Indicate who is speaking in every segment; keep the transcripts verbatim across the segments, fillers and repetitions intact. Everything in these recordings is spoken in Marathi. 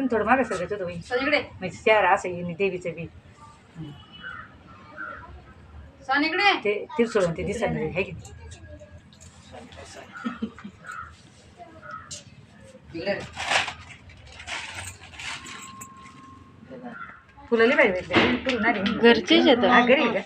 Speaker 1: तुम्ही थोडं मागे सगळं होतं बाई इकडे म्हणजे शहर असं येईन देवीचं बी
Speaker 2: सन इकडे
Speaker 1: ते तिरसोळून ते दिसत नाही आहे की फुलं लई पाहिजे भेटले फुलं नाही
Speaker 3: घरचेच येतं
Speaker 1: हा घरी आहे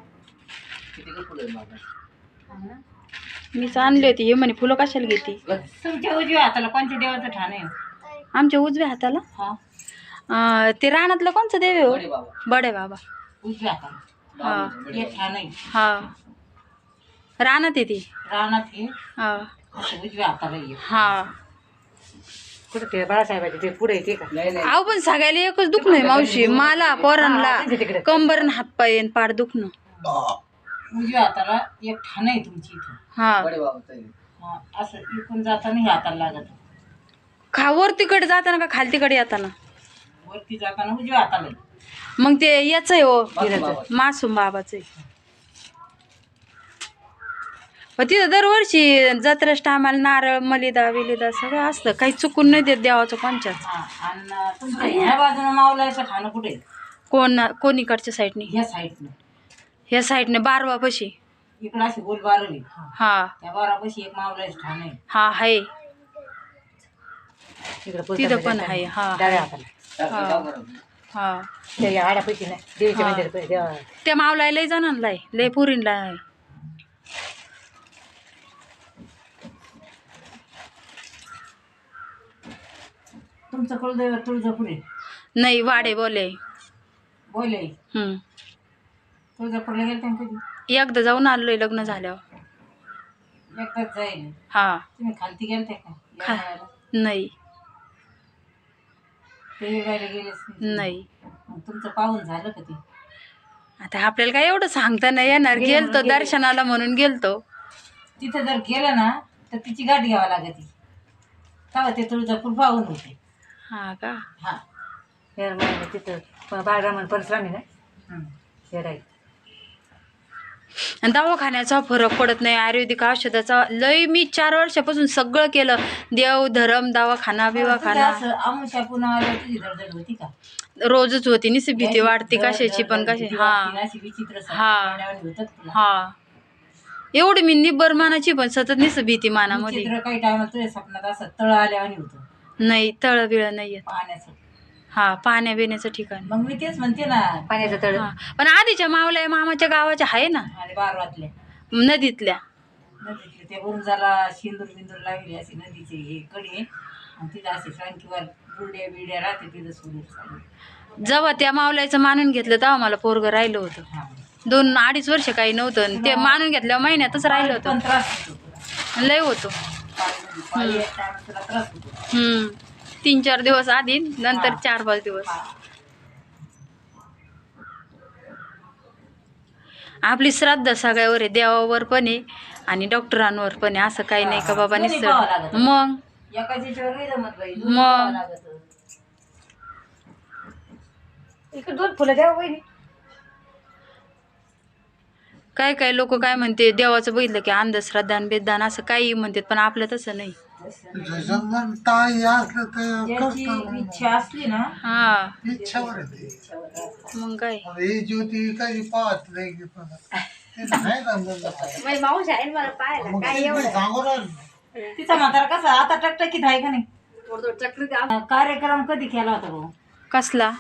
Speaker 1: का
Speaker 3: मीच आणली होती हे म्हणे फुलं कशाला घेते
Speaker 1: तुमच्या उजव्या हाताला कोणत्या देवाचं ठाण आहे
Speaker 3: आमच्या उजव्या हाताला
Speaker 1: हा
Speaker 3: अं, ते रानातलं कोणचं देव आहे हो बडे बाबा
Speaker 1: उजव्या हाताला
Speaker 3: हा
Speaker 1: हे ठाण आहे
Speaker 3: हा रानात आहे ती
Speaker 1: रानात हे
Speaker 3: हा
Speaker 1: असं उजव्या हाताला ये
Speaker 3: हा
Speaker 1: कुठं ते बाळासाहेबाचे ते पुढे येते का
Speaker 3: अहो पण सगळ्याला एकच दुखणं आहे मावशी मला पोरांना कंबर न हातपाय न पाड दुखणं
Speaker 1: उजव्या हाताला एक ठाण आहे तुमची इथं
Speaker 3: हा
Speaker 1: हा, असं इकडून जाताना हे हाताला लागत
Speaker 3: खा वरतीकडे जाताना का खालतीकडे येताना
Speaker 1: वरती जाताना उजव्या हाताला आहे.
Speaker 3: मग ते याच आहे हो मासूम बाबाच आहे तिथं दरवर्षी जत्राच टायमाला नारळ मलिदा विलिदा सगळं असतं काही चुकून नाही देत देवाचं कोणच्याच
Speaker 1: हा, आणि तुमच्या ह्या बाजूने मावलायचं ठाणं कुठे आहे?
Speaker 3: कोण कोणीकडच्या साईडने
Speaker 1: ह्या साईडनं
Speaker 3: ह्या साईडने बारवापाशी
Speaker 1: इकडं अशी गोल बारली
Speaker 3: हा
Speaker 1: त्या बारापाशी एक मावलायचं ठाण आहे
Speaker 3: हा आहे
Speaker 1: तिकडं
Speaker 3: तिथं पण आहे हा
Speaker 1: डाव्या हाताला
Speaker 3: हा
Speaker 1: त्या आड्यापैकी नाही देवीच्या
Speaker 3: हा.
Speaker 1: मंदिरापैकी देवा
Speaker 3: त्या मावला लय जणांना आहे लय पुरींला आहे
Speaker 1: तुमचं कुलदैव तुळजापूर आहे
Speaker 3: नाही वाडे बोले
Speaker 1: बोले
Speaker 3: हम्म
Speaker 1: तुळजापूरला गेलं त्या कधी
Speaker 3: एकदा जाऊन आलोय लग्न झाल्यावर
Speaker 1: एकदाच जाईल
Speaker 3: हा
Speaker 1: तुम्ही खालती गेलते का या
Speaker 3: खा-
Speaker 1: वेळेला?
Speaker 3: नाही
Speaker 1: ते वेळेला गेलेच नाही.
Speaker 3: नाही
Speaker 1: मग तुमचं पाहून झालं का ते
Speaker 3: आता आपल्याला काय एवढं सांगता नाही येणार
Speaker 1: गेले
Speaker 3: गेलतो
Speaker 1: म्हणून गेले.
Speaker 3: दर्शनाला म्हणून गेलतो
Speaker 1: तिथं जर गेलं ना तर तिची गाठ घ्यावी लागते तेव्हा ते तुळजापूर पाहून होते
Speaker 3: हा का
Speaker 1: हा तिथं बाळरामन परशुरामी ना राईट
Speaker 3: आणि दवाखान्याचा फरक पडत नाही आयुर्वेदिक औषधाचा लय मी चार वर्षापासून सगळं केलं देव धरम दवाखाना बिवाखाना
Speaker 1: असं आमुषा पुन्हा आल्यावर तुझी धडधड होती का
Speaker 3: रोजच होती निस भीती वाटते
Speaker 1: धड-
Speaker 3: कशाची पण
Speaker 1: धड-
Speaker 3: कशाची
Speaker 1: भीती
Speaker 3: हा
Speaker 1: वाटते, अशी विचित्र सारखी
Speaker 3: हा.
Speaker 1: पाण्यावाणी होतात तुला.
Speaker 3: हा एवढी मी निब्बर मानाची पण सतत निस भीती मानामध्ये
Speaker 1: विचित्र काही टायमाला तुझ्या स्वप्नात असं तळ आल्यावानी होतं
Speaker 3: नाही तळ बिळ नाही येत
Speaker 1: पाण्याचं
Speaker 3: हा पाण्या बिण्याचं ठिकाण
Speaker 1: मग मी तेच म्हणते ना पाण्याचं तळ
Speaker 3: हा पण आधीच्या मावल्या मामाच्या गावाच्या आहे ना
Speaker 1: आणि बारवातल्या
Speaker 3: नदीतल्या
Speaker 1: नदीतले ते उंजाला शिंदूर बिंदूर लागली अशी नदीची हे कडी आहे आणि तिथं असे फ्रँकीवर बुरड्या बिड्या राहते तिथं सोडून चालू
Speaker 3: जेव्हा त्या मावल्याचं मानून घेतलं तेव्हा मला पोरग राहिलं होतं
Speaker 1: हा
Speaker 3: दोन अडीच वर्ष काही नव्हतं आणि ते मानून घेतल्या महिन्यातच राहिलं
Speaker 1: पण
Speaker 3: होतं
Speaker 1: त्रास होतो तुला
Speaker 3: लय होतो
Speaker 1: पाळीमध्ये. पाळी आहे त्यामुळे तुला त्रास होतो
Speaker 3: हम्म तीन चार दिवस आधी नंतर
Speaker 1: हा.
Speaker 3: चार पाच दिवस
Speaker 1: हा.
Speaker 3: आपली श्रद्धा सगळ्यावर आहे देवावर पण आहे आणि डॉक्टरांवर पण आहे असं काही नाही का बाबा
Speaker 1: दोन्ही
Speaker 3: निसर्ग
Speaker 1: पाहावं लागतं.
Speaker 3: मग
Speaker 1: एकाच याच्यावर नाही जमत बाई दोन्ही
Speaker 3: मग.
Speaker 1: पाहावं लागतं. इकडे दोन फुलं द्या वहिनी
Speaker 3: काय काय लोक काय म्हणते देवाचं बघितलं की अंधश्रद्धा बेदान असं काही म्हणतात पण आपलं तसं नाही
Speaker 1: ज्याची इच्छा असली ना
Speaker 3: हा
Speaker 4: इच्छावर आहे ते.
Speaker 3: मग काय
Speaker 4: ही ज्योती काही पाहत नाही की पण. ते नाही जमलं.
Speaker 2: माऊस आहे मला पाहायला
Speaker 4: मग
Speaker 2: काय
Speaker 4: ते
Speaker 2: एवढं
Speaker 4: सांगू राहिलो.
Speaker 1: तिचा म्हातारा कसा आता टकटकीत आहे का नाही
Speaker 2: थोडं थोडं चक्री द्या.
Speaker 1: कार्यक्रम कधी केला होता भाऊ
Speaker 3: कसला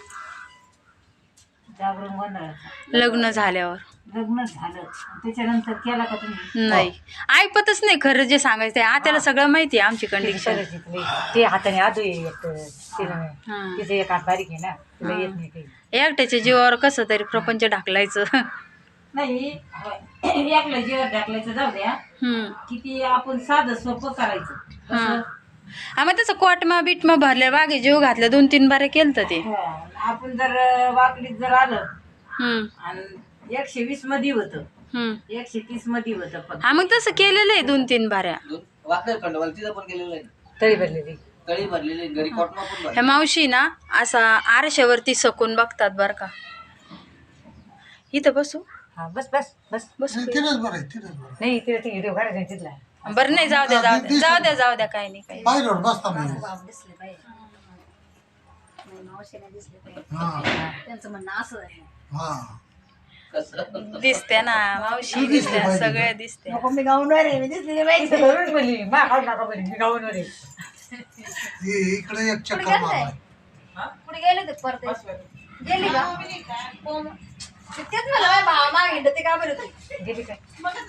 Speaker 1: जागरण गोंधळाचा
Speaker 3: लग्न झाल्यावर
Speaker 1: लग्न झालं त्याच्यानंतर केला का तुम्ही
Speaker 3: नाही ऐकतच नाही खरं जे सांगायचं ते आत्याला सगळं माहिती आहे आमची कंडिशन
Speaker 1: ते हाताने आदू एक
Speaker 3: हा.
Speaker 1: तिचं एक हात बारीक आहे ना तुला येत नाही काही
Speaker 3: एकट्याच्या जीवावर कसं तरी प्रपंच ढाकलायचं
Speaker 1: नाही एकलं जेवण टाकलायचं जाऊ द्या
Speaker 3: हम्म
Speaker 1: किती आपण साधं सोपं करायचं
Speaker 3: हा
Speaker 1: कसं?
Speaker 3: आम्ही तसं कोटमा बिटमा भरल्या बागे जीव घातल्या दोन तीन बारे केलं ते
Speaker 1: हा, आपण जर वाकडीत जर आलं
Speaker 3: हम्म
Speaker 1: आणि एकशे वीस मध्ये होतं
Speaker 3: हम्म
Speaker 1: एकशे तीस मध्ये होतं पण
Speaker 3: हा मग तसं केलेलं आहे दोन तीन बाऱ्या
Speaker 5: वाकड खंडवाल तिथं पण गेलेलं आहे
Speaker 1: तळी भरलेली
Speaker 5: तळी भरलेली आहे, घरी कॉटमा पण भरली.
Speaker 3: ह्या मावशी ना असा आरशावरती सकून बघतात बर का इथं बसू
Speaker 1: हा बस बस बस
Speaker 3: बसू
Speaker 4: नाही, तिथंच बरं आहे, तिथंच बरं आहे.
Speaker 1: नाही तिला ती व्हिडिओ काढायचा तिथला
Speaker 3: बरं नाही जाऊ द्या जाऊ द्या जाऊ द्या जाऊ द्या काही नाही काही
Speaker 4: पायरीवर बसता नाही.
Speaker 2: मावशीने दिसले ते.
Speaker 4: हा
Speaker 2: त्यांचं म्हणणं असं आहे.
Speaker 4: हा
Speaker 5: कसं
Speaker 3: दिसते ना मावशी दिसते सगळे दिसते
Speaker 2: नको मी गाऊनवर आहे, मी दिसली पाहिजे.
Speaker 1: धरून बोलली मा काढ नका बोलली मी गाऊनवर आहे.
Speaker 4: इ- इकडे एक
Speaker 2: कुठे
Speaker 4: चक्कर
Speaker 2: गेलते?
Speaker 4: मारलाय
Speaker 2: कुठे गेले ते परत गेली का हो मग. ते तेच मला माझ्या भावा मागे ते का बरं होते.
Speaker 1: गेली काय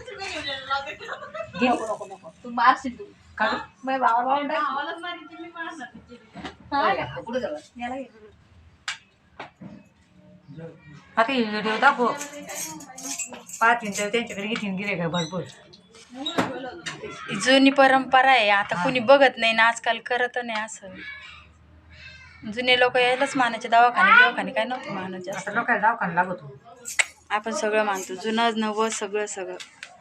Speaker 2: नको नको नको तू मारशील तू
Speaker 1: का
Speaker 2: माझ्या भावा भावंड
Speaker 1: कुठे झालं
Speaker 2: याला घे करून.
Speaker 1: आता व्हिडिओ दाखव पाहतीन तर त्यांच्याकडे घेतीन गिरे का भरपूर
Speaker 3: जुनी परंपरा आहे आता कुणी बघत नाही ना आजकाल करत नाही असं जुने लोक यायलाच मानायचे दवाखाने दवाखाने काय नव्हते मानायचे
Speaker 1: आता
Speaker 3: असं
Speaker 1: लोकांना दवाखाना लागतो
Speaker 3: आपण सगळं मानतो जुनं नवं सगळं सगळं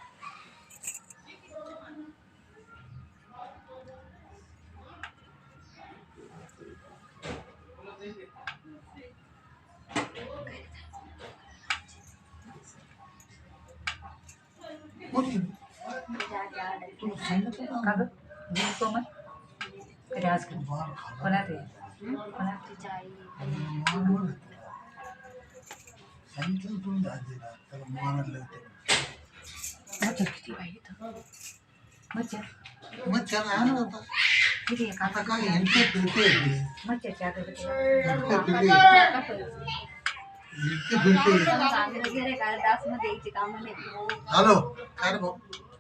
Speaker 4: कोणी?
Speaker 1: तू सांगितलं का गं गेली तो मग कधी आज कधी कोणात आहे कोणात
Speaker 2: तिच्या आई
Speaker 4: सांगितलं तुम्ही दाजीला त्याला मारायला होतं.
Speaker 1: मच्छर किती बाई इथं मच्छर
Speaker 4: मग त्याला आणलं होतं.
Speaker 1: किती आहे
Speaker 4: आता
Speaker 1: काका
Speaker 4: काय यांचे फिरते
Speaker 1: मच्छरची आता किती
Speaker 4: इतके फिरते
Speaker 2: चांगलं घे रे काय डास मध्ये यायची कामं नाही.
Speaker 4: हॅलो काय रे भाऊ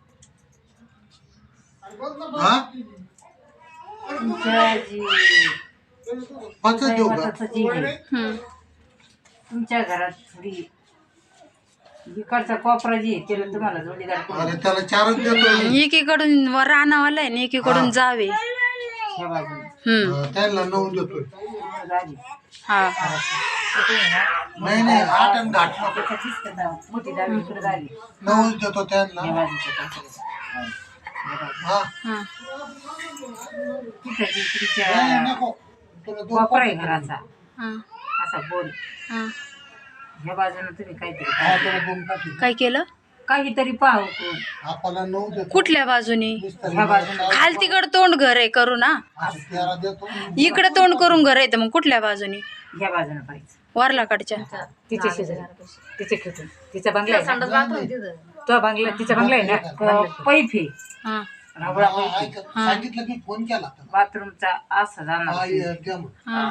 Speaker 4: हा
Speaker 1: तुमच्या जी
Speaker 4: पाचच देऊ का
Speaker 1: दैवताचं जीव आहे
Speaker 3: हम्म.
Speaker 1: तुमच्या घरात थोडी इकडचा कोपरा जी आहे त्याला तुम्हाला जोडीदार कोण
Speaker 4: अरे त्याला चारच देतो
Speaker 3: एकीकडून वर रानावाला आहे आणि एकीकडून
Speaker 4: हा.
Speaker 3: जावे
Speaker 1: ह्या बाजूला
Speaker 3: हम्म
Speaker 4: अं, त्याला नऊ देतोय
Speaker 1: झाली
Speaker 3: हा
Speaker 4: नाही नाही आठ आणि घाट
Speaker 1: त्याच्या चिस्त दाव मोठी दावी इकडे झाली
Speaker 4: नऊच देतो
Speaker 1: ह्या
Speaker 4: त्यांना
Speaker 1: बाजूच्या कोपऱ्यात.
Speaker 4: हा
Speaker 3: हा
Speaker 1: तिथं जी
Speaker 4: नाही,
Speaker 1: तुमच्या
Speaker 4: नको तुला दोन
Speaker 1: कोपरा आहे घराचा
Speaker 3: हा
Speaker 1: असा बोल
Speaker 3: हा
Speaker 1: ह्या बाजूला तुम्ही काहीतरी
Speaker 4: हा, त्याला दोन टाकी
Speaker 3: काय केलं
Speaker 1: काहीतरी पाहू कोण
Speaker 4: आपल्याला नऊ देतो
Speaker 3: कुठल्या बाजूनी
Speaker 4: नुसतं
Speaker 1: ह्या बाजूला
Speaker 3: खाल तिकड तोंड घर आहे करू ना
Speaker 4: असं तेरा देतो
Speaker 3: इकडे तोंड करून घर आहे तर मग कुठल्या बाजूनी
Speaker 1: ह्या बाजूला पाहिजे
Speaker 3: वारलाकडच्या
Speaker 1: तिचे शेजारी तिचे खेटून तिचा बंगला आहे ना
Speaker 2: संडास बाथरूम तिथं.
Speaker 1: तो बंगला तिचा बंगला आहे ना पैप आहे
Speaker 3: हा
Speaker 1: रावळा
Speaker 4: हा,
Speaker 1: पैप आहे.
Speaker 4: ऐक, सांगितलं मी फोन केला त्याला.
Speaker 1: बाथरूमचा असा
Speaker 4: हा,
Speaker 1: जाणार
Speaker 4: ये, द्या मग.
Speaker 3: हा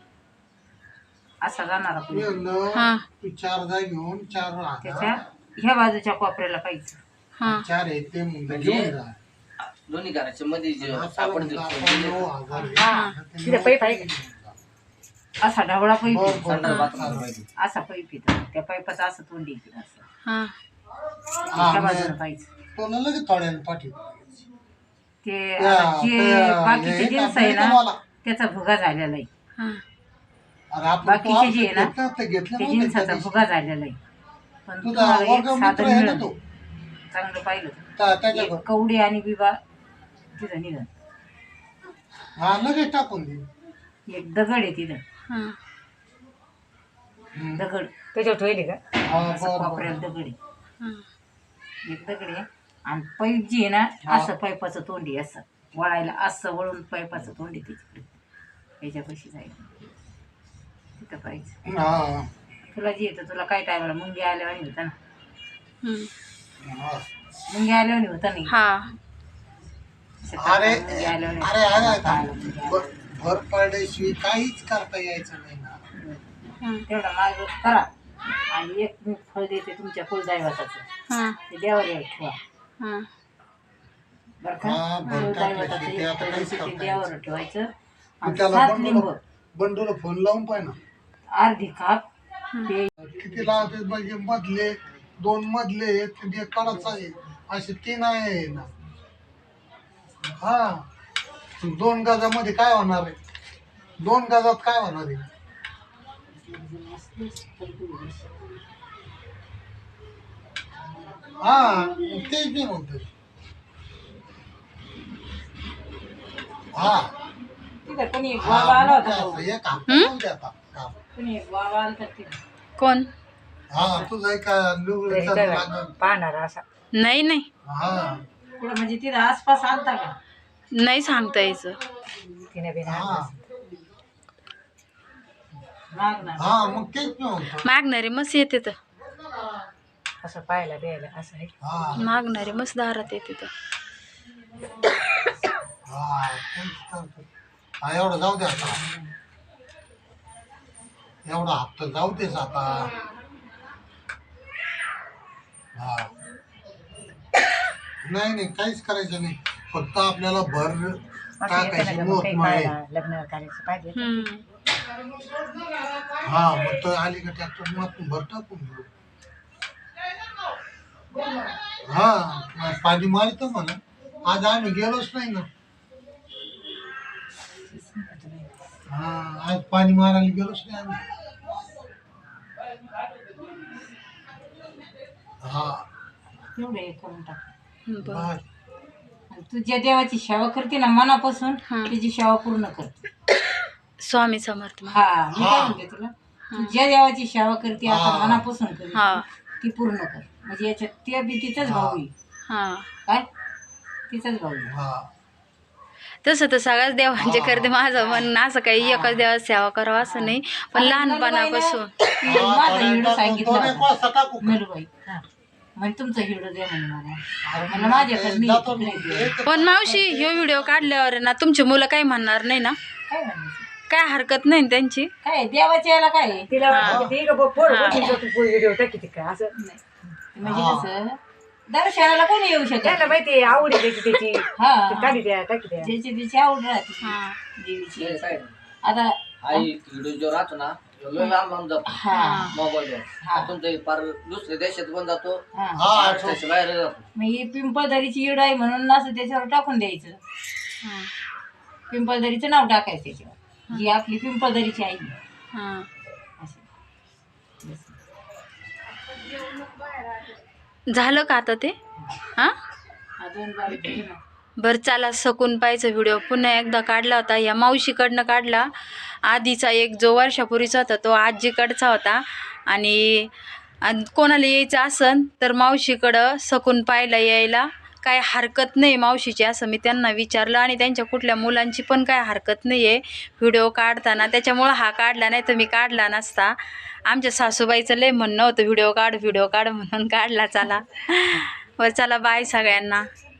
Speaker 1: असा जाणार
Speaker 4: मी म्हणलं,
Speaker 3: हा.
Speaker 4: तू चार जाय घेऊन चार
Speaker 1: त्याच्या
Speaker 4: राहणार
Speaker 1: ह्या बाजूच्या कोपऱ्याला पाहिजे
Speaker 3: हा
Speaker 4: चार आहे ते म्हणलं घेऊन जा
Speaker 5: दोन्ही घराच्या मध्ये जे
Speaker 4: असा
Speaker 5: आपण
Speaker 4: म्हणलं,
Speaker 5: जे
Speaker 4: आपण नऊ हजार आहे.
Speaker 1: हा
Speaker 4: ते
Speaker 1: तिथे
Speaker 4: नऊ
Speaker 1: पैप आहे का असा ढवळा पैप
Speaker 4: बरं,
Speaker 1: आहे.
Speaker 4: बरं,
Speaker 5: संडास
Speaker 4: बरं,
Speaker 5: बाथरूम
Speaker 4: चालेल.
Speaker 1: असा पैप येतो त्या पैपाचं असं तोंड येते असं
Speaker 3: हा
Speaker 4: हा,
Speaker 1: त्या
Speaker 4: मग
Speaker 1: बाजूला पाहिजे
Speaker 4: तुला लगेच थोड्याने पाठीव
Speaker 1: ते
Speaker 4: त्या-
Speaker 1: आता जे
Speaker 4: त्या-
Speaker 1: बाकीचे
Speaker 4: हे
Speaker 1: जिन्स आहे ना
Speaker 4: तुम्हाला.
Speaker 1: त्याचा भुगा झालेला आहे
Speaker 3: हा
Speaker 4: अरे आपण
Speaker 1: बाकीचे
Speaker 4: तू
Speaker 1: जे आहे ना,
Speaker 4: घेतलं ते घेतलं
Speaker 1: ते
Speaker 4: नव्हतं
Speaker 1: जिन्साचा
Speaker 4: त्या दिवशी.
Speaker 1: भुगा झालेला आहे पण
Speaker 4: तुझा
Speaker 1: तुम्हाला एक
Speaker 4: वर्ग मित्र
Speaker 1: साधन
Speaker 4: आहे ना
Speaker 1: मिळेल
Speaker 4: तो
Speaker 1: चांगलं पाहिलं
Speaker 4: त्या- त्याच्याकडं.
Speaker 1: एक कवडी आणि बिबा तिथं निघन
Speaker 4: हा लगेच टाकून दे
Speaker 1: एक दगड आहे तिथं
Speaker 3: हा
Speaker 4: हम्म.
Speaker 1: दगड त्याच्यावर ठेवले का
Speaker 4: हा,
Speaker 1: असं
Speaker 4: बरं,
Speaker 1: कोपऱ्यात
Speaker 4: बरं.
Speaker 1: दगड आहे
Speaker 3: हा
Speaker 1: एक दगड आहे आणि पाईप जी आहे ना असं पाईपाचं तोंडी असं वळायला असं वळून पाईपाचं तोंडी तिच्याकडे याच्यापाशी जायचं तिथं पाहिजे
Speaker 4: हा,
Speaker 1: तुला जे येतं तुला काय टायमाला मुंगी आल्यावानी होता ना
Speaker 3: हम्म.
Speaker 4: हा.
Speaker 1: मुंगी आल्यावानी होता नाही
Speaker 3: हा
Speaker 1: असं
Speaker 4: अरे
Speaker 1: मुंगी आल्यावानी
Speaker 4: अरे अरे
Speaker 1: होता.
Speaker 4: आता भ- भर पडल्याशिवाय काहीच करता यायचं नाही ना
Speaker 3: हा
Speaker 1: तेवढा मार्ग करा आणि एक मी फळ देते तुमच्या कुलदैवताचं
Speaker 3: हा
Speaker 1: ते देवावर यायला ठेवा
Speaker 3: हा
Speaker 1: बरं का
Speaker 4: हा, बरं
Speaker 1: कुलदैवताचं
Speaker 4: टाकलं ते
Speaker 1: एक
Speaker 4: आता
Speaker 1: फळ
Speaker 4: काहीच
Speaker 1: देते ते
Speaker 4: करता
Speaker 1: देवावर ठेवायचं
Speaker 4: मग
Speaker 1: आणि
Speaker 4: त्याला
Speaker 1: सात लिंब
Speaker 4: बंडूला बंडूला फोन लावून पाय ना
Speaker 1: अर्धी खाप ते
Speaker 4: किती लावते म्हणजे मधले दोन मधले ते कडच आहे असे तीन आहे ना हा दोन गजामध्ये काय होणार आहे दोन गजात काय होणार आहे हा तेच मी म्हणतो हा
Speaker 1: तिथं कोणी एक बाबा आला होता तो.
Speaker 4: एक हात लावून द्या आता. हा.
Speaker 1: कोणी एक बाबा आला होता तिथं.
Speaker 3: कोण
Speaker 4: हा तुझा का निवडीचा
Speaker 1: ते
Speaker 4: लागल.
Speaker 1: पाहणार असा
Speaker 3: नाही नाही
Speaker 4: हा
Speaker 1: पुढं म्हणजे तिथं आसपास आलता का
Speaker 3: नाही सांगता यायचं
Speaker 1: तिने बिना
Speaker 4: हा
Speaker 1: मागणार
Speaker 4: हा मग तेच नव्हतं.
Speaker 3: मागणारे मस्त येते तर
Speaker 1: असं पाहायला द्यायला असं आहे.
Speaker 4: हा
Speaker 3: मागणारे मस्त दारात येते तर
Speaker 4: हा तेच तर. हा एवढं जाऊ दे आता, एवढा हप्ता जाऊ देच आता. हा नाही नाही काहीच करायचं नाही, फक्त आपल्याला भर
Speaker 1: असं येतं
Speaker 4: टाकायची
Speaker 1: ना,
Speaker 4: मोठ
Speaker 1: काही
Speaker 4: माळे.
Speaker 1: पाहायला लग्न करायचं पाहिजे.
Speaker 3: हम्म.
Speaker 4: हा मग तर आली का ट्रॅक्टर मग आपण भर टाकून घेऊ. हा मग पाणी मारतो म्हणा, आज आम्ही गेलोच नाही ना. हा आज पाणी मारायला गेलोच नाही आम्ही. हा
Speaker 1: तेवढं हे करून टाक.
Speaker 3: बरं.
Speaker 4: बर.
Speaker 1: आणि तू ज्या देवाची सेवा करते ना मनापासून
Speaker 3: हा.
Speaker 1: त्याची सेवा पूर्ण कर.
Speaker 3: स्वामी समर्थ महाराज.
Speaker 1: हा मी काय म्हणते तुला, तू ज्या देवाची सेवा करते आता
Speaker 4: हा.
Speaker 1: मनापासून करते
Speaker 3: हा.
Speaker 1: ती पूर्ण कर. म्हणजे याच्यात ते बी तिचाच भाऊ आहे.
Speaker 3: हा
Speaker 1: काय तिचाच भाऊ आहे.
Speaker 4: हा
Speaker 3: तसं तर सगळ्याच देवांचे
Speaker 4: हा.
Speaker 3: करते, माझं मन असं काही एकच देवाची सेवा करावं असं नाही, पण
Speaker 1: आणि
Speaker 3: लहानपणापासून
Speaker 1: नलबाईला
Speaker 4: हा,
Speaker 1: माझा
Speaker 4: थोडा
Speaker 1: हिरडो
Speaker 4: टाकून
Speaker 1: सांगितला
Speaker 4: दोन एक
Speaker 1: होता.
Speaker 4: वाजता टाकू का?
Speaker 1: नलबाई हा म्हणजे तुमचा हिरडो द्या म्हणे मला. म्हणलं माझ्याकडे नाही,
Speaker 4: जातो
Speaker 1: तिकडे
Speaker 4: मग.
Speaker 1: दे.
Speaker 3: पण मावशी ह्यो व्हिडिओ काढल्यावर ना तुमची मुलं काही म्हणणार नाही ना,
Speaker 1: काय म्हणायचं
Speaker 3: काय हरकत नाही ना त्यांची.
Speaker 1: काय देवाच्या याला काय आहे?
Speaker 2: तिला
Speaker 3: हा.
Speaker 2: वाटतं की बघ पोर
Speaker 3: हा.
Speaker 2: व्हिडिओ टाकी ती काय असं
Speaker 1: नाही. म्हणजे कसं दर्शनाला कोणी येऊ शकत
Speaker 2: त्याला
Speaker 1: नाही.
Speaker 2: माहिती आवडी त्याची त्याची
Speaker 1: हा
Speaker 2: टाकी द्या टाकी द्या
Speaker 1: ज्याची त्याची आवड राहते
Speaker 3: हा.
Speaker 1: देवीची.
Speaker 5: हे काय
Speaker 1: आता
Speaker 5: आई व्हिडिओ जो राहतो ना तो लय लांब लांब जातो
Speaker 1: हा
Speaker 5: मोबाईलवर.
Speaker 1: हा.
Speaker 5: तुमच्या पार दुसऱ्या देशात पण जातो,
Speaker 1: हा
Speaker 4: हा
Speaker 5: महाराष्ट्राच्या बाहेर जातो.
Speaker 1: मग ही पिंपळदरीची ईड आहे म्हणून असं त्याच्यावर टाकून द्यायचं.
Speaker 3: हा.
Speaker 1: पिंपळदरीचं नाव टाकायचं त्याच्यावर, ही आपली पिंपळदरीची आई आहे.
Speaker 3: हा.
Speaker 1: अशी. बस.
Speaker 3: झालं का आता ते? हा
Speaker 1: अजून बारीक घे ना.
Speaker 3: बरं चला, सकून पाहायचा व्हिडिओ पुन्हा एकदा काढला होता, या मावशीकडनं काढला. आधीचा एक जो वर्षापूर्वीचा होता तो आजीकडचा होता. आणि आणि कोणाला यायचं असन तर मावशीकडं सकून पाहायला यायला काय हरकत नाही मावशीची, असं मी त्यांना विचारलं. आणि त्यांच्या कुठल्या मुलांची पण काय हरकत नाही आहे व्हिडिओ काढताना, त्याच्यामुळं हा काढला, नाही तर मी काढला नसता. आमच्या सासूबाईचं लय म्हणणं होतं व्हिडिओ काढ व्हिडिओ काढ म्हणून काढला. चला बरं चला, बाय सगळ्यांना.